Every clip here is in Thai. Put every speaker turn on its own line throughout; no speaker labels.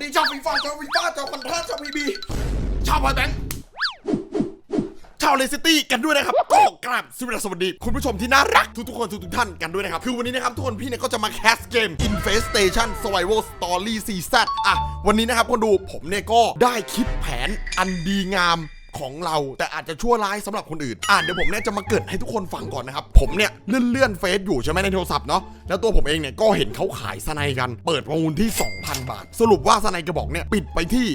ดีชาวฟีฟ่าชาวพันธะชาวพีบีชาวพอยแบงค์ชาวเลสตี้กันด้วยนะครับก็กราบสวัสดีคุณผู้ชมที่น่ารักทุกคนทุกท่านกันด้วยนะครับคือวันนี้นะครับทุกคนพี่เนี่ยก็จะมาแคสเกม Infestation Survival Story Season วันนี้นะครับคนดูผมเนี่ยก็ได้คิดแผนอันดีงามของเราแต่อาจจะชั่วร้ายสำหรับคนอื่นเดี๋ยวผมเนี่ยจะมาเกิดให้ทุกคนฟังก่อนนะครับผมเนี่ยเลื่อนเฟซอยู่ใช่ไหมในโทรศัพท์เนาะแล้วตัวผมเองเนี่ยก็เห็นเขาขายสไนกันเปิดประมูลที่ 2,000 บาทสรุปว่าสไนกระบอกเนี่ยปิดไปที่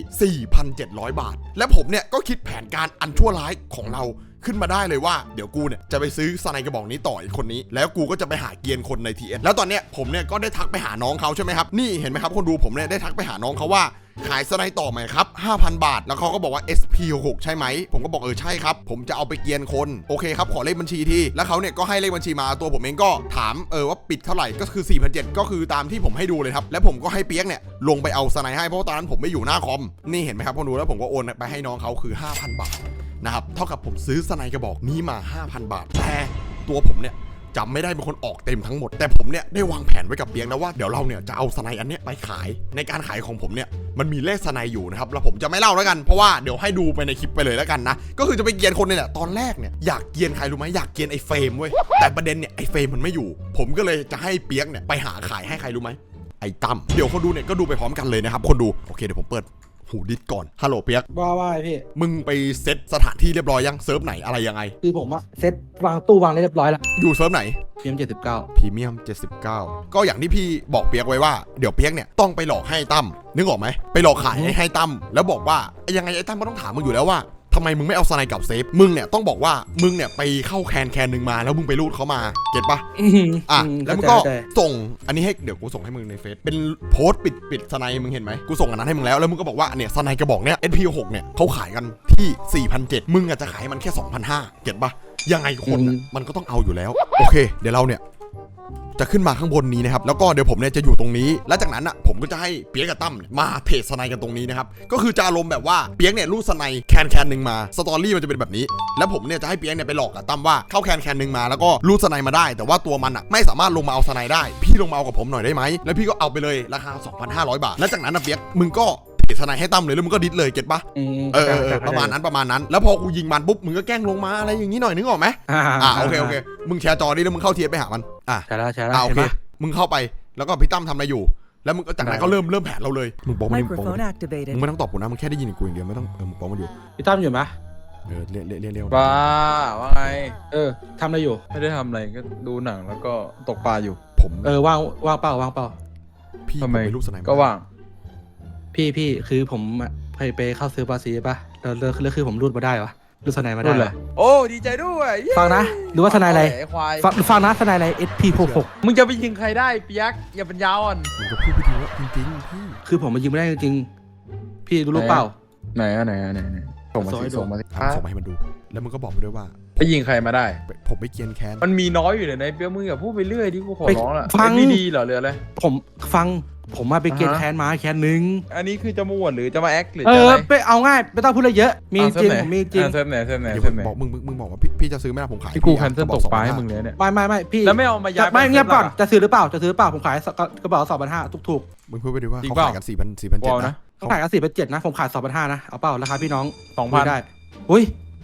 4,700 บาทและผมเนี่ยก็คิดแผนการอันชั่วร้ายของเราขึ้นมาได้เลยว่าเดี๋ยวกูเนี่ยจะไปซื้อสไนกระบอกนี้ต่ออีกคนนี้แล้วกูก็จะไปหาเกียร์คนใน TS แล้วตอนเนี้ยผมเนี่ยก็ได้ทักไปหาน้องเขาใช่ไหมครับนี่เห็นไหมครับคนดูผมเนี่ยได้ทักไปหาน้องเขาว่าขายสไนต่อไหมครับ 5,000 บาทแล้วเขาก็บอกว่า SP66 ใช่ไหมผมก็บอกใช่ครับผมจะเอาไปเกียร์คนโอเคครับขอเลขบัญชีที่แล้วเขาเนี่ยก็ให้เลขบัญชีมาตัวผมเองก็ถามว่าปิดเท่าไหร่ก็คือ 4,700 ก็คือตามที่ผมให้ดูเลยครับแล้วผมก็ให้เปียกเนี่ยลงไปเอาสไนให้เพราะตอนนั้นผมไม่อยู่หน้าคอมนี่เห็นไหมครับคนดูแล้วผมก็โอนไปให้น้องเขาคือ 5,000 บาทนะครับเท่ากับผมซื้อสไนกระบอกนี้มา 5,000 บาทแต่ตัวผมเนี่ยจำไม่ได้เป็นคนออกเต็มทั้งหมดแต่ผมเนี่ยได้วางแผนไว้กับเปียกแล้วว่าเดี๋ยวเราเนี่ยจะเอาสไนอันเนี้ยไปขายในการขายของผมเนี่ยมันมีเลขสไนอยู่นะครับแล้วผมจะไม่เล่าแล้วกันเพราะว่าเดี๋ยวให้ดูไปในคลิปไปเลยแล้วกันนะก็คือจะไปเกียนคนนี่แหละตอนแรกเนี่ยอยากเกียนใครรู้ไหมอยากเกียนไอ้เฟรมเว้ยแต่ประเด็นเนี่ยไอ้เฟรมมันไม่อยู่ผมก็เลยจะให้เปียกเนี่ยไปหาขายให้ใครรู้ไหมไอ้ตั้มเดี๋ยวคนดูเนี่ยก็ดูไปพร้อมกันเลยนะครับคนดูโอเคเดี๋ยวผมเปิดหูดิสก่อนฮัลโหลเปียก
ว่าพี่
มึงไปเซตสถานที่เรียบร้อยยังเซิร์ฟไหนอะไรยังไง
คือผมอะเซตวางตู้วางเรียบร้อยแล้ว
อยู่เซิร์ฟไหน
PM79
พรีเมียม79ก็อย่างที่พี่บอกเปียกไว้ว่าเดี๋ยวเปียกเนี่ยต้องไปหลอกให้ตั้มนึกออกไหมไปหลอกขายให้ตั้มแล้วบอกว่ายังไงไอ้ตั้มก็ต้องถามมึงอยู่แล้วว่าทำไมมึงไม่เอาสไนกับเซฟมึงเนี่ยต้องบอกว่ามึงเนี่ยไปเข้าแคนหนึ่งมาแล้วมึงไปรูดเขามาเก็ตปะแล้วมึงก็ส่งอันนี้ให้เดี๋ยวกูส่งให้มึงในเฟซเป็นโพสต์ปิดสไนมึงเห็นไหมกูส่งอันนั้นให้มึงแล้วมึงก็บอกว่าเนี่ยสไนกระบอกเนี่ย SP6 เนี่ยเขาขายกันที่ 4,700 มึงอาจจะขายมันแค่ 2,500 เก็ตปะยังไงคนมันก็ต้องเอาอยู่แล้วโอเคเดี๋ยวเราเนี่ยจะขึ้นมาข้างบนนี้นะครับแล้วก็เดี๋ยวผมเนี่ยจะอยู่ตรงนี้และจากนั้นอ่ะผมก็จะให้เปียกกับตั้มมาเทรดสไนกันตรงนี้นะครับก็คือจะอารมณ์แบบว่าเปียกเนี่ยรูดสไนแคนหนึ่งมาสตอรี่มันจะเป็นแบบนี้แล้วผมเนี่ยจะให้เปียกเนี่ยไปหลอกกับตั้มว่าเข้าแคนหนึ่งมาแล้วก็รูดสไนมาได้แต่ว่าตัวมันอ่ะไม่สามารถลงมาเอาสไนได้พี่ลงมาเอากับผมหน่อยได้ไหมแล้วพี่ก็เอาไปเลยราคา 2,500 บาทแล้วจากนั้นนะเปียกมึงก็สไนให้ตั้มเลยแล้วมึงก็ดิสเลยเก็ตปะประมาณนั้นแล้วพอกูยิงมันปุ๊บมึงก็แกล้งลงมาอะไรอย่างนี้หน่อยนึกออกไหมโอเคมึงแชร์จอนี้แล้วมึงเข้าเทียบไปหามัน
ใช่แล้ว
โอเคมึงเข้าไปแล้วก็พี่ตั้มทำอะไรอยู่แล้วมึงจากนั้นเขาเริ่มแผนเราเลยมึงบอกมันมึงไม่ต้องตอบกูนะมึงแค่ได้ยินกูอย่างเดียวไม่ต้องมึงบอกมันอยู่
พี่ตั้มอยู่ไหม
เรียว
บ้าว่าไง
ทำอะไรอยู่
ไม่ได้ทำอะไรก็ดูหนังแล้วก็ตกปลาอยู่
ผม
ว่างเปล่า
พี่ทำไมลูกสไน
ก็ว่าง
พี่คือผมไปเข้าซื้อบาซีป่ะแล้วคือผมรูดมาได้วะรูดสไนมาได้เลย
โอ้ดีใจด้วย
ฟังนะหรือว่าสไนอะไรฟังนะสไนอะไร SP66
มึงจะไปยิงใครได้เปียกอย่าเป็นยาวอ่อน
มึงก็พูดไปดีว่าจริงพี่
คือผมมายิงไม่ได้จริงๆพี่รู้เปล่า
ไหนส่งมา
ให้มันดูแล้วมึงก็บอกไปด้วยว่า
ไปยิงใครมาได้
ผมไปเกียนแคน
มันมีน้อยอยู่ในเปียกมึงอย่าพูดไปเรื่อยดิกูขอร้องละ
ฟัง
ดีเหรอหรืออะไร
ผมมาไปเกียนแคนมาแคนนึง
อันนี้คือจะมาอวดหรือจะมาแอคหรือ
ไปเอาง่ายไม่ต้องพูดอะไรเยอะมีจริงผมมีจริง
เซิร์ฟไหน
บอกมึงบอกว่าพี่จะซื้อไหมล่ะผมขาย
กูแคนเซิลตกปลาให้มึงเลยเนี่ย
ไม่พี่
แล้วไม่เอามาย้าย
ไม่เงียบก่อนจะซื้อหรือเปล่าผมขายกระเป๋า 2,500 ถูก
มึงพูดไปดิว่าเขาขายกัน 4,700 นะ
เขาขายกัน 4,700 นะผมขาย 2,500 นะเอาเปล่าราคาพี่น้อง
2,000
ได้อุ้ย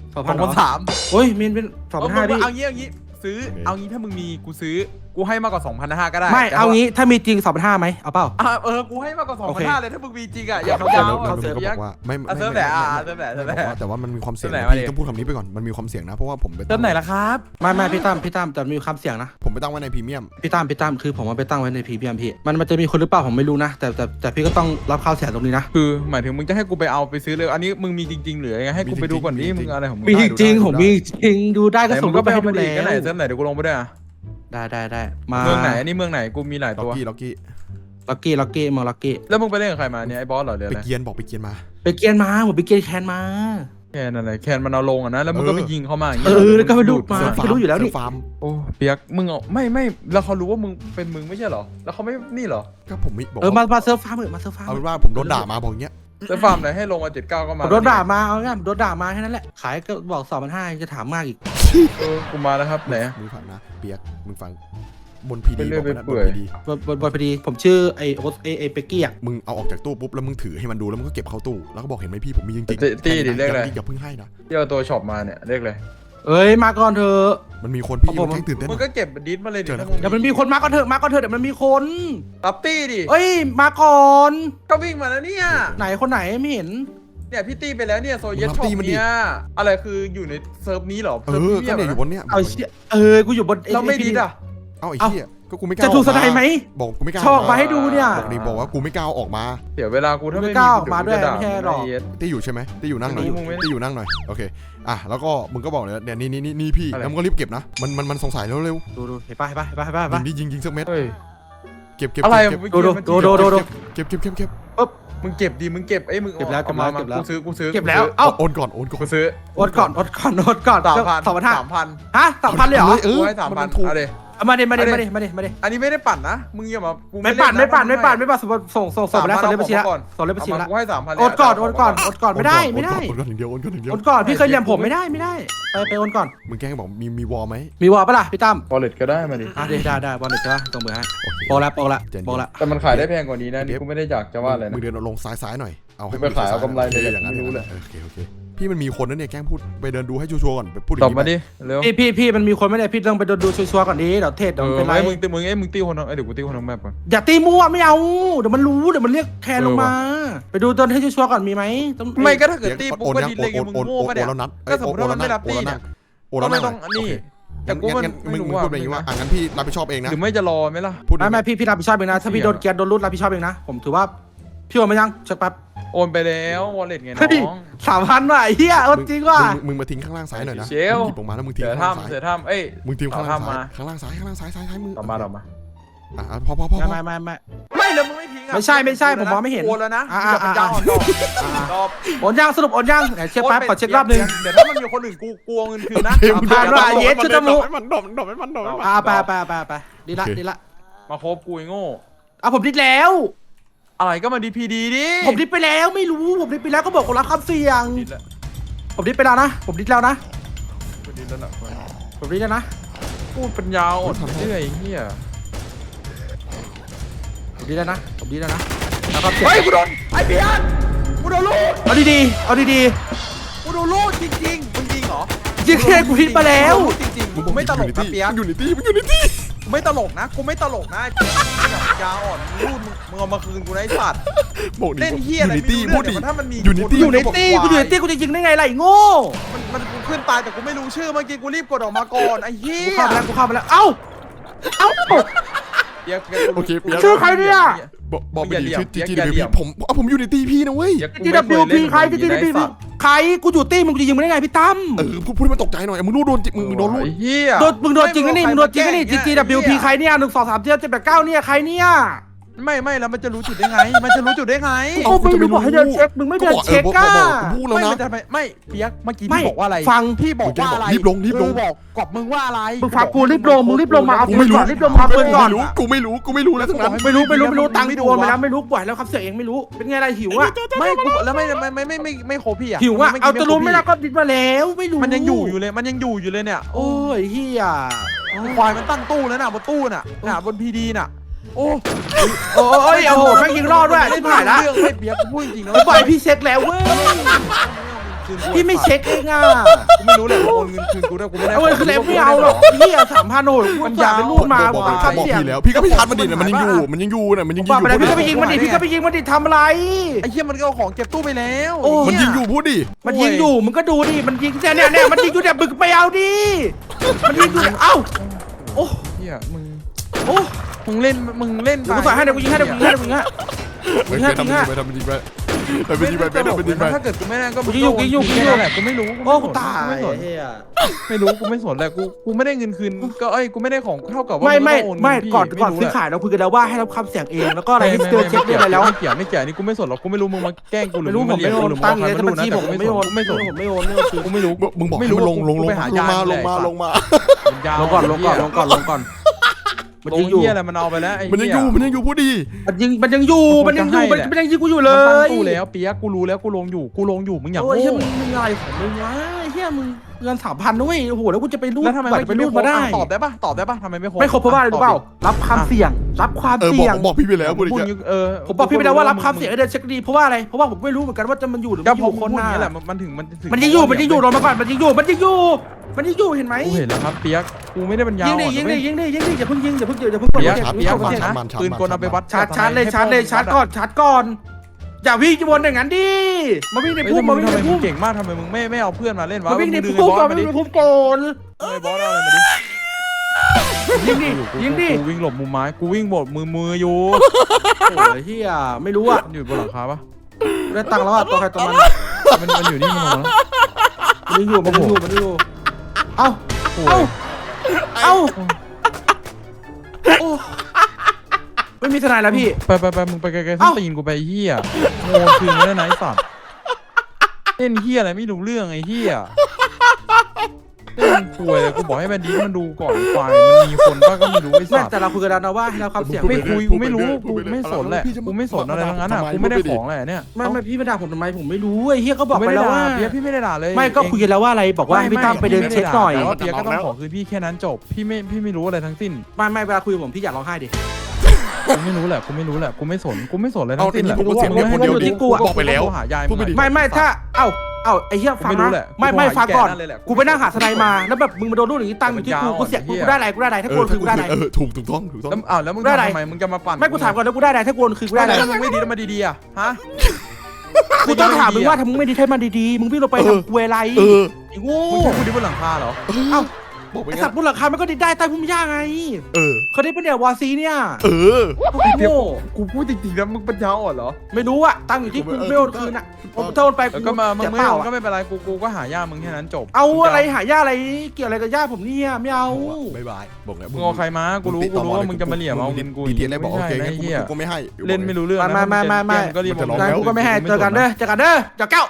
2,300
อุ้ยมีเป็น 2,500 พี่
เอางี้ซื้อเอางี้ถ้ามึงมีกูซื้อกูให้มากกว่า 2,500 ก็ได้
ไม่เอางี้ถ้ามีจริง 2,500 ไหมเอาเปล่า
กูให้มากกว่า 2,500 เลยถ้ามึงมีจริงอ่ะอย่าพยายาม
เขาเซิร์ฟบอกว่าไม่
เซิร์ฟไหนแต่
ว่ามันมีความเสี่ยงต้องพูดคำนี้ไปก่อนมันมีความเสี่ยงนะเพราะว่าผมไป
เซิร์ฟไหนล่ะครับ
ไม่พี่ตั้มแต่มีความเสี่ยงนะ
ผมไปตั้งไว้ในพรีเมียม
พี่ตั้มคือผมมาไปตั้งไว้ในพรีเมียมพี่มันจะมีคนหรือเปล่าผมไม่รู้นะแต่พี่ก็ต้องรับข้าวเสียตรงนี้นะ
คือหมายถึงมึงจะให้กูไปเอาไปซื้อเลยอันนี้มึงมีจริงๆหรือไงให้กูไปดูก่อนดิมึงอะไรของมึง
มีจริงผมมีจริงดูได้ก็ส่งรูปไปให้ดูเลย
ก็ไหนเซิร์ฟไหนเดี๋ยวกูลงไปด้วย
ได้มา
เมืองไหนอันนี้เมืองไหนกูมีหลายตัว
ล็อกกี้
มาล็อกกี้
แล้วมึงไปเล่นกับใครมาเนี่ยไอ้บอสเหรอเดี๋ยว
ไปเกียนบอกไปเกียนมา
ผมไปเกียนแคนมา
แคนอะไรแคนมันเอาลงอ่ะนะแล้วมึงก็ไปยิงเขามา
แล้วก็ไปดูดมาก็รู้อยู่แล้วนี่
ฟาร์ม
โอ้เปียกมึงไม่แล้วเขารู้ว่ามึงเป็นมึงไม่ใช่เหรอแล้วเขาไม่นี่เหรอ
ก็ผมไม่บอก
มาเซิร์ฟฟาร์ม
เอาเป็นว่าผมโดนด่ามาบอกเงี้ย
จะฟาร์มไหนให้ลงมา79ก็มา
โดนด่ามาเอาง่ายโดนด่ามาแค่นั้นแหละขายก็บอก 2,500 จะถามมากอีก
กูมาแล้วครับไหน
มึงฟังนะเปียกมึงฟังบนพีดี
เป็นเรื่
บ
อ
อง ก
ไป
ไปนะบ
เปื่อย
นพีดี
บนพอดีผมชื่อไอโอ๊ตไอเป็กกี้อ่ะ
มึงเอาออกจากตู้ปุ๊บแล้วมึงถือให้มันดูแล้วมึงก็เก็บเข้าตู้แล้วก็บอกเห็นไหมพี่ผมมีจริง
ตี้ดิเรียกอะไร
อย่าเพิ่งให้นะ
ที่เอาตัวช็อปมาเนี่ยเรียกเลย
เอ้ยมาก่อนเถอะ
มันมีคนพี่
ผม
มันแค่ตื่นเต้น
มึงก็เก็บดิสมาเลยดิ
เจอแล้ว
ถ้ามึง
เดี๋ยวมันมีคนมาก่อนเถอะเดี๋ยวมันมีคน
รับตี้ดิ
เอ้ยมาก่อน
ก็วิ่งมาแล้วเนี่ย
ไหนคนไหนไม่เห็น
เนี่ยพี่ตี้ไปแล้วเนี่ยโซเยสช็อปเนี่ยอะไรคืออยู่ในเซิร์ฟนี้เหรอ
เอ
เซิร์ฟ
อ
นี้
ก็เนี่ยอยู่บนเนี้ย
เอาเชี่ยกูอยู่บน
เราไม่ดิสอ่ะ
เอาไอ้เหี้ยก็กูไม่กล้า
จะถูกสไนไหม
บอกกูไม่กล้า
ชอบมาให้ดูเนี่ย
บอกดิบอกว่ากูไม่กล้าออกมา
เดี๋ยวเวลากูถ้าไม่
ไม่กล้าออก
เดี๋
มาด้วย
กูจะ
ไม่ใช่หรอก
เยส
ตี้อยู่ใช่ไหมตี้อยู่นั่งหน่อย
ไม่รู้มึงไม่ได้
ตี้อยู่นั่งหน่อยโอเคอ่ะแล้วก็มึงก็บอกเลยเนี่ยนี่พี่
อะไร
แล้วมึงก็รีบเก็บนะมันสงสัยเร็ว
ดูเห็นป่ะ
ๆยิงสักเม็ด
เฮ้ย
เก็บ
อะไร
เก็บ
มึง
ดู
เก็บ
มึงเก็บดิมึงเก็บไอ้มึง
เก็บแล้ว
อามา
เก็บแล้ว
กูซื้อ
เก็บแล้วเอ้า
โอนก่อน
กูซื้อ
อดก่อน
3,000
ฮะ3,000เลยเหรอ
เออ
กูให้3,000
มันถูก
เอาดิ
มาดิ
อันนี้ไม่ได้ปั่นนะมึงอย่ามากู
ไม่ปั่น
เล่ะ
ส่งไปแล้วส่งเลขบัญชีแล้วส่งเลขบัญชี
เอา
แล้ว
มากูให้3,000
อดก่อนไม่ได้
โอนก่อนอย่างเดียว
อดก่อนพี่เคยเรียนผมไม่ได้ไปโอนก่อน
มึงแกล้งบอกมีวอลไหม
มีวอลปะล่ะพี่ตั้ม
วอลเล็ตก็ได้มาดิ
ได้บอลเด็กใช่ปะตรงมือฮะโปละ
แต่มันขายได้แพงกว่านี้นะนี่กูไม่ได้อยากจะว่าอะไร
มึ
นะ
งเดินลงซ้ายหน่อยเอาให้
ไปขายเอากำไรเลย
อย่างนั้น
ไม่รู้เลย
โอเคพี่มันมีคนนั่นเนี่ยแกล้งพูดไปเดินดูให้ชัวร์ก่อนไปพูด
ตอบมาดิเร็ว
พี่มันมีคนไม่ได้พี่ต้องไปดูชัวร์ก่อนดิเดี๋ยวเทศเดี๋ยวเป็นไร
มึงตีคนนึงเดี๋ยวกูตีคนนึงแมปก่อน
อย่าตีมั่วไม่เอาเดี๋ยวมันรู้เดี๋ยวมันเรียกแทนลงมา ไปดูตอนให้ชัวร์ก่อนมีไหมต้อง
ไม่ก็ถ้าเกิดตีปุ๊บก็ดิเลยไงมึงโง่ปะเนี่ย
แล้วนัด
ก็สมมติว่ามันไม่รับตีเนี่ย
โอนแล้ว
ก็ไม่
นั่ง
ต้องนี่แต่กู
งั้นมึงพูดแบบนี้ว่างั้นพี่รับผิดชอบเองนะ
หรือไม่จะรอไหมล่ะ
พูด
ไม่พี่รับผิดชอบเองนะถ้าพี่โดนแกนโดนรูดรับผิดชอบเองนะผมถือว่าพี่โอนไม่ยังเช็คแป๊บ
โอนไปแล้ววอลเล็ตไงน้อง
3,000ว่ะเฮียโอนจริงว่ะ
มึงมาทิ้งข้างล่างซ้ายหน่อยนะ
เชล
หยิบออกมาแล้วมึงทิ้ง
เสือ
ข้างล่างซ้าย
ถ้ำเสือถ้ำเอ้ย
มึงทิ้งข้างล่าง
เอา
ซ้าย
มา
ข้างล่างซ้ายมือ
ต่อมา
พอ
ไม่
ไม่แล้วมึงไม่ทิ้งอ่ะ
ไม่ใช่ผมมองไม่เห็น
โอนแล้วนะ
อ่า
อย่าเป็นเจ้าอ่อนดอก
โอนยังสรุปโอนยังไหนเช็คแป๊บขอเช็ครอบนึง
เดี๋ยวถ้ามันมีคนอื่นกูกลัวเงินคืนนะ
ผ่านว่ะเย็ดชุดจมูก
มันดอกมัน
ไปดีละ
มาคบกูไอ้โง่
ผมดิดแล้ว
อะไรก็มาดีพีดีดิ
ผมดิดไปแล้วไม่รู้ผมดิดไปแล้วก็บอกคนรับคำเสี่ยง
ดิดแล้ว
ผมดิดไปแล้วนะผมดิดแล้วนะ
ดิดแล้วล่ะ
ผมดิดแล้วนะ
พูดปัญญาอ่อนเรื่อยเฮีย
ผมดิดแล้วนะแล้วก็
เฮ้ยกูโดนไอ้เพียนกูโดนลูก
เอาดีๆ
กูโดนลูกจริงๆมึงจริงเหรอ
จริงแค่กูดิดมาแล้ว
จริงๆกูไม่ตลกนะเปียก
อยู่ในที่
กูไม่ตลกนะกูไม่ตลกนะปัญญาอ่อนรูดมึงเอามาคืนกูนะไอ้สัตว์
บอกดิ
เล่นเฮียอะไร
อยู่ในที่
ไม่
พู
รู้
ด
เรื่
ดิ
องเนี่ยถ้ามันมี
อยู่ในตี้
อยู่ในตี้กูอยู่ในตี้กูจริงๆได้ไงล่ะไอ้โง่
มันกูขึ้นตายแต่กูไม่รู้ชื่อเมื่อกี้กูรีบกดออกมาก่อนไอ้เฮี
กู
ย
เข้ามาแล้วเอ้า
เปียก
โอเคเปียก
ชื่อใครเนี่ย
บอกไปดิชื่อ
อย่า
จี
เหลี่
ดี
ยม
ผมอยู่ในตี้พี่นะเว้ย
จีดับบิวพีใครจีดับบิวพีใครกูอยู่ตี้มึงจะยิงมึงได้ไงพี่ตั้ม
พูดให้มันตกใจหน่อยมึงโดนมึงโดนลูก
ไอ้เฮีย
มึงโดนจริงนะนี่มึงโดนจริงนะนี่จีดับบิวพีใครเนี่ย1 2 3 4 7 8 9เนี่ยใครเนี่ย
ไม่แล้วมันจะรู้จุดได้ไง มันจะรู้จุดได้ไง
โอ้มึงบอกให้เดินเช็คมึงไม่เดินเช็คก้า
พูดแล้ว
ไม่
นะ
มันจะไม่เปียกเมื่อกี้พี่บอกว่าอะไร
ฟัง
พี่บอกว่าอะไร
รีบลง
บอกกอบมึงว่าอะไร
มึงฟังกูรีบลงมึงรีบลงมาเอาปืนก่อนรีบลงมาปืนก่อน
กูไม่รู้แล้วทั้งนั้น
ไม่รู้ตังค์โอนไปแล้วไม่รู้ปล่อยแล้วครับเสียเองไม่รู้เป็นไงอะไรหิวอ่ะ
ไม่กูแล้วไม่โคพี่อ่ะ
หิวอ่ะเอาจะรู้ไม่แล้วก็ดิดมาแล้วไม่รู้
มันยังอยู่อยู่เลยเนี่ย
โอ้ยเฮีย
ควายมันตั้งตู้แล้วน่ะบนตู้น่ะบนพีดีน่ะโอ้
โอ้ยโอ้โหแม่งยิงรอดด้วยที่ผ่านละ
เรื่องไม่เปียกพูดจริงนะ
ปล่อยพี่เช็คแล้วเว้ยพี่ไม่เช็คเองอ่ะ
กูไม่รู้เลยโอนเงินคืนกูได้กูไม่ได้
เอาเงินคือแล้วไม่เอาหรอกพี่อ่ะ3,000โอ้ยกูจ่ายเป็นรูดมา
บอก
ครับ
พี่
เสียง
แล้วพี่ก็ไม่ทันมันดิมันยังอยู่มันยังอยู่
บอกไปแล้วพี่ก็ไปยิงมันดิทำอะไร
ไอ้เหี้ยมันก็เอาของเก็บตู้ไปแล้ว
มันยิงอยู่พูดดิ
มันยิงอยู่มึงก็ดูดิมันยิงเนี่ยมันยิงอยู่เนี่ยบึกไปเอาดิมันยิงอยู่เอ้าโอ้
เหี้ยมึง
โอ้
มึงเล่น
กูใส่ให้เดี๋ยวกูยิงให้ไปทำมันยิงไป
ถ้าเกิดกูไม่ได้ก็แหละกูไม่รู้
โอ้กูตาย
ไม่รู้กูไม่สนแหละกูไม่ได้เงินคืนก็กูไม่ได้ของเท่ากับว่า
ไม่ก่อนซื้อขายเราคุยกันแล้วว่าให้รับคำเสียงเองแล้วก็อะไรที่เจอเช็คได้แล้ว
ไม่เกี่ยวนี่กูไม่สนหรอกกูไม่รู้มึงมาแกล้งกูหรือ
ไม่รู้ผมไม่โอนตั้งเลยถ้าบัญชีผมไม่โอนกูไม่รู้
มึงบอกให้มันลงมาลงมา
ลงก่อนมัน
ลง
ยิงอยู่
เหี้ยอะไรมันเอาไปแล้วไอ้
มันยังอยู่พูดดิ
มันยังอยู่มันยิงกูอยู่เล
มันตั้ง
ย
ตู้แล้วเปียกกูรู้แล้วกูลงอยู่มึงอยาก
โอ้ย
โง่
มึงอะไรของมึงวะเฮียยมึงเงิน3,000ด้วยโอ้โหแล้วกูจะไปรูด
แล้วทำไม
บัตรไปรูดมาได้
ตอบได้ปะทำไมไม่ครบ
ไม่ครบเพราะว่าอะไรรู้เปล่ารับความเสี่ยงรับความ
บอก
เสี่ยง
บอกพี่ไปแล้วพูดอย่าง
พูด
เงี้ย
ผมบอกพี่ไปแล้วว่ารับความเสี่ยงให้เดินเช็คดีเพราะว่าอะไรเพราะว่าผมไม่รู้เหมือนกันว่าจะมันอยู่หรือ
ก็
ไม่อ
พอยู่
ค
คน น
หน้า
นี้แหละมันถึง
มันยังอยู่รอมาก่อนมันยังอยู่เห็นไหม
กูเห็นแล้วครับเปียกกูไม่ได้เป็นยา
ยิง
อ่อน
ดิ
นะเว้ย
อย่าเพิ่งยิงอย่าเพิ่งกด
เปียก
อย่า
เปียก
เพิ่ง
ฟัง
กด
นะปืนกลเอาไปวัด
ชาร์จเลยชาร์จก่อนอย่าวิ่งวนอย่างนั้นดิมาวิ่งใน
เฮ้ย
พุ่ม
ทำไม
มาวิ่งใน
มึ
พุ่
ง
ม
เก่งมากทำไมมึงไม่เอาเพื่อนมาเล่นวะ
มาวิ่งใน
ดึง
พุ่ม
ไอ้บอ
ก่อ
ส
น
มาดิ
วิ่งในพุ่มก่อน
ไอ้บอสเอาอะไรมาดิ
ยิงดิ
กูวิ่งหลบมุมไม้กูวิ่งบดมืออยู่
โอ้ยเฮียไม่รู้อ่ะ
มันอยู่บนหลังคาปะ
ได้ตังค์แล้วอ่ะตัวใครตัวมัน
มันอยู่นี่มันลงมาแล้ว
มันยังอยู่เอ้า
โอ้
เอ้าย โอ้ไม่มีทนายแล้วพี่
ไปมึงไปไกลๆส้นตีนกูไปไอ้เหี้ยโง่คืนไม่ได้ไหนสัตว์เล่นเหี้ยอะไรไม่รู้เรื่องไอ้เหี้ยเล่นป่วยเลยกูบอกให้แบนดี้มันดูก่อนควายมันมีคนบ้างก็ไม่รู้ไอ้
แม่
สัตว์
แต่เราคุยกันแล้วนะว่าให้เราความเสี่ยง
ไม่คุยกูไม่รู้กูไม่สนแหละกูไม่สนอะไรทั้งนั้นอ่ะกูไม่ได้ของอะไรเนี่ย
ไม่พี่มาด่าผมทำไมผมไม่รู้ไอ้เฮียก็บอก
ไม่
ไป
ได้
แล้ว
ด่า
ว่า
เปียกพี่ไม่ได้ด่าเลย
ไม่ก็คุยกันแล้วว่าอะไรบอกว่าให้พี่ตั้มไปเดินเช็คหน่อย
แต่ว่าเปียกก็ต้องขอคืนพี่แค่นั้นจบพี่ไม่รู้อะไรทั้งสิ้น
ไม่เวลาคุยกับผมพี่อยากร้องไห้ดิ
กูไม่รู้แหละกูไม่รู้แหละกูไม่สนอะไรทั้งสิ้นแหละ
ผมก็เสียงเดียวคนเดียวดิบอกไปแล้ว
หายาย
พูดไม่ดี
ไม่ถ้าเอ้าไอ้เหี้ยฟัง
ไม่รู้
นะ
แหละ
ไม่ฟังก่อน
กูหาแก่นั่นเลยแหละ
กูไปนั่งหาทนายมาแล้วแบบมึงมาโดนรูดอย่างนี้ตั้งอยู่ที่กูกูเสียกูได้อะไรถ้ากูคือกูได้อะไร
ถูกต้อง
แล้วมึงทำทำไมมึงจะมาปั่น
ไม่กูถามก่อนแล้วกูได้อะไรถ้ากูคือกูได้อะไร
แล้วมึงไม่ดีแล้วมาดีๆอ่ะฮะ
กูต้องถามมึงว่าถ้ามึงไม่ดีให้มันดีๆมึงวิ่งลงไปทำกูอะไรไอ้โง่
มึงใช้กูดีบนหลังคาเหรอ
เอ้า
บอกไป
ไอ้
งั้
สัต
น
ว์บนหลังคามันก็ดีได้ใต้พุ่มหญ้าไง เขาได้เป็นเนี่ยวาซีเนี่ย
เดี๋ยว
โง่
กูพูดจริงๆนะมึงปัญญาอ่อนเหรอ
ไม่รู้อะตั้งอยู่ที่กูไม่โอนคืนอะถ้าโอนไป
แล้วก็มามึง
เสีย
ไม่
เปล่า
เอาก็
อะ
ไม่เป็นไรกูก็หาย่ามึงแค่นั้นจบ
เอาอะไรหาย่าอะไรเกี่ยวอะไรกับย่าผมเนี่ยไม่เอา
บายบอกแล้ว
มึงเอาใครมากูรู้ว่ามึงจะมาเหลี่ยมเอาเงินกู
ดีเทียนเลยบอกโอเค
ไม่
งั้น
ใช่นะเหี้ย
กูไม่ให้
เล่นไม่รู้เรื่องนะ
ไม่
ก็รีบ
มันจะร้อง
งั้นกูก็ไม่ให้เจอกันเด้อเจ้าแก้ว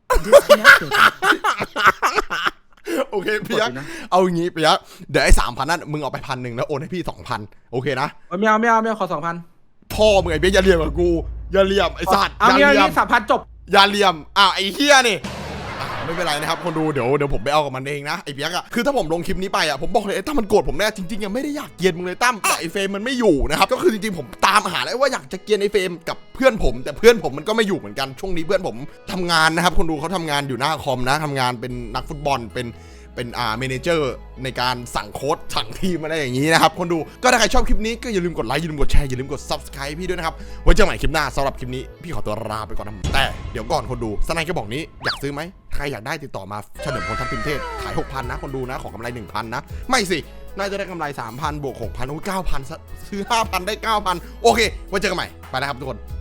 โอเคพี่ยักษ์เอาอย่างงี้พี่ยักษ์เดี๋ยวไอ้3,000นั่นมึงเอาไป1,000แล้วโอนให้พี่2,000โอเคนะ
ไม่เอาขอ2,000
พ่อมึงไอ้เบี้ยอย่าเหลี่ยมกับกูอย่าเหลี่ยมไอ้สัตว์
เอา
อย่าเหลี่ยม
นี่3,000จบ
อย่าเหลี่ยมไอ้เฮียนี่ไม่เป็นไรนะครับคนดูเดี๋ยวผมไปเอากับมันเองนะไอ้เบี้ยอะคือถ้าผมลงคลิปนี้ไปผมบอกเลยไอ้ตั้มมันโกรธผมแน่จริงๆยังไม่ได้อยากเกลียดมึงเลยตั้มแต่ไอ้เฟรมมันไม่อยู่นะครับก็คือจริงๆผมตามหาแล้วว่าอยากจะเกลียดไอ้เฟรมกับเพื่อนผมแต่เพื่อนผมมันก็ไม่อยู่เหมือนกันช่วงนี้เพื่อนผมทำงานนะครับคนดูเขาทำงานอยู่หน้าคอมนะทำงานเป็นนักฟุตบอลเป็นเมเนเจอร์ในการสั่งโค้ชสั่งทีมอะไรอย่างนี้นะครับคนดูก็ถ้าใครชอบคลิปนี้ก็อย่าลืมกดไลค์อย่าลืมกดแชร์อย่าลืมกด subscribe พี่ด้วยนะครับไว้เจอกันใหม่คลิปหน้าสำหรับคลิปนี้พี่ขอตัวลาไปก่อนนะแต่เดี๋ยวก่อนคนดูสไนค์ก็บอกนี้อยากซื้อไหมใครอยากได้ติดต่อมาเฉลิมพลทัพทิมเทศขาย 6,000 นะคนดูนะขอกำไร 1,000 นะไม่สิน่าจะได้กำไร 3,000 บวก 6,000 โอ้ย 9,000 ซื้อ 5,000 ได้ 9,000 โอเคไว้เจอกันใหม่ไปนะครับทุกคน